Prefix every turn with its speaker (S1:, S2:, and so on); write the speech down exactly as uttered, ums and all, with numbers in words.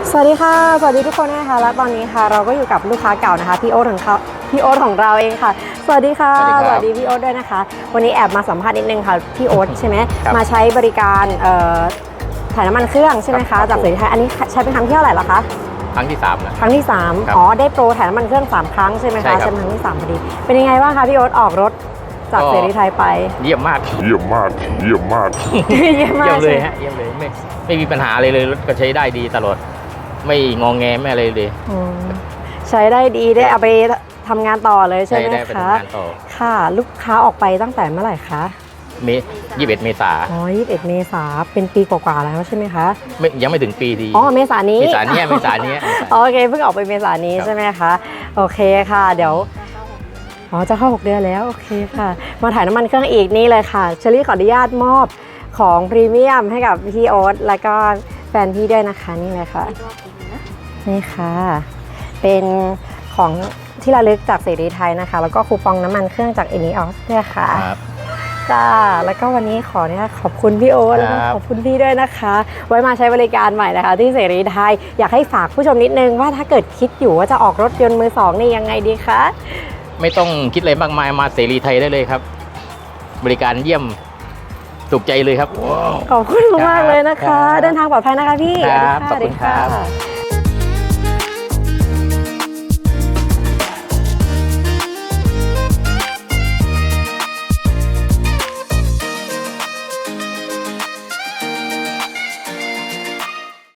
S1: สวัสดีค่ะสวัสดีทุกคนนะคะและตอนนี้ค่ะเราก็อยู่กับลูกค้าเก่านะคะพี่โอ๊ตของเขาพี่โอ๊ตของเราเองค่ะสวัสดีค่ะสวัสดีพี่โอ๊ตด้วยนะคะวันนี้แอบมาสัมภาษณ์นิดนึงค่ะพี่โอ๊ตใช่ไหมมาใช้บริการถ่ายน้ำมันเครื่องใช่ไหมคะจากเสรีไทยอันนี้ใช้เป็นครั้งที่เท่าไหร่แล้วคะ
S2: ครั้งที่สามนะ
S1: ครั้งที่สามอ๋อได้โปรถ่ายน้ำมันเครื่องสามครั้งใช่ไหมคะใช่ครั้งที่สามพอดีเป็นยังไงบ้างคะพี่โอ๊ตออกรถจากเสรีไทยไป
S2: เยี่ยมมาก
S3: เยี่ยมมากเยี่ยมมาก
S1: เยี่ยมมาก
S2: เลยฮะเยี่ยมเลยไม่ไม่มีปัญหาอะไรเลยรถก็ใช้ได้ดีตลอดไม่งองแงไม่อะไรเลย
S1: ใช้ได้ดีได้เอาไปทำงานต่อเลยใช่ไหมคะค่ะลูกค้าออกไปตั้งแต่เมื่อไหร่คะ
S2: เมษยี่สิบเอ็ดเมษา
S1: อ๋อยี่สิบเอ็ดเมษาเป็นปีกว่าๆแล้วใช่ไหมคะ
S2: ไม่ยังไม่ถึงปีดี
S1: อ๋อเมษานี้
S2: เมษานี้เมษานี้
S1: โอเคเพิ่งออกไปเมษานี้ใช่ไหมคะโอเคค่ะเดี๋ยวอ๋อจะเข้าหกเดือนแล้วโอเคค่ะมาถ่ายน้ำมันเครื่องอีกนี่เลยค่ะเชอรี่ขออนุญาตมอบของพรีเมียมให้กับพี่โอ๊ตแล้วก็แฟนพี่ด้วยนะคะนี่เลยค่ะนี่ค่ะเป็นของที่ระลึกจากเสรีไทยนะคะแล้วก็คูปองน้ำมันเครื่องจากเอนิออสด้วยค่ะจ้าแล้วก็วันนี้ขอเนี่ยขอบคุณพี่โอ๊ตแล้วก็ขอบคุณพี่ด้วยนะคะไว้มาใช้บริการใหม่นะคะที่เสรีไทยอยากให้ฝากผู้ชมนิดนึงว่าถ้าเกิดคิดอยู่ว่าจะออกรถยนต์มือสองนี่ยังไงดีคะ
S2: ไม่ต้องคิดอะไรมากมายมาเสรีไทยได้เลยครับบริการเยี่ยมถูกใจเลยครับ
S1: ขอบคุณมากเลยนะคะเดินทางปลอดภัยนะคะพี่
S2: ขอบคุณค่ะ